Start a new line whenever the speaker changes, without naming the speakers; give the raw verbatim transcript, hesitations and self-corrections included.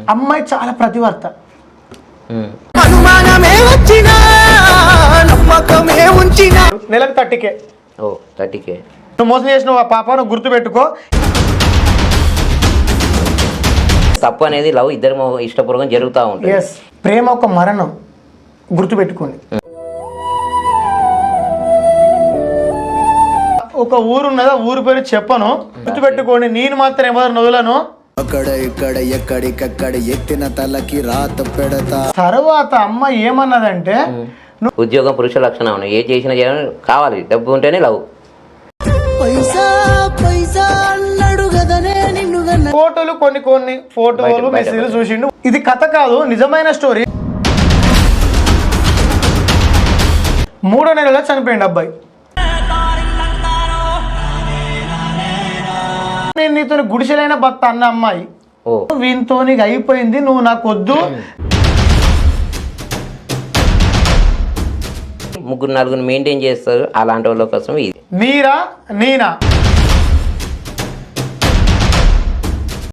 అమ్మాయి చాలా ప్రతివర్త. నెలకు థర్టీకే
ఓ థర్టీకే
నువ్వు మోసం చేసిన ఆ పాప నువ్వు గుర్తుపెట్టుకో.
తప్పు అనేది లవ్ ఇద్దరు ఇష్టపూర్వకం జరుగుతూ ఉంటుంది.
ఎస్, ప్రేమ ఒక మరణం, గుర్తుపెట్టుకోండి. ఒక ఊరు ఉన్నదా, ఊరు పేరు చెప్పను, గుర్తుపెట్టుకోండి. నేను మాత్రం ఎవరు నదులను
అక్కడ ఇక్కడ ఎక్కడికక్కడ ఎత్తిన తలకి రాత పెడతా.
తర్వాత అమ్మ ఏమన్నదంటే,
ఉద్యోగం పురుష లక్షణం, ఏ చేసినా చేయాలని కావాలి, డబ్బు ఉంటేనే లవ్.
ఫోటోలు కొన్ని కొన్ని ఫోటోలు మెసేజ్లు చూసిండు. ఇది కథ కాదు, నిజమైన స్టోరీ. మూడో నెలలో చనిపోయింది అబ్బాయి. నేను నీతో గుడిసెలైన భర్త అన్న అమ్మాయి వీనితో నీకు అయిపోయింది, నువ్వు నాకు వద్దు.
ముగ్గురు నలుగురు మెయింటైన్ చేస్తారు, అలాంటి వాళ్ళ కోసం ఇది.
మీరా నేనా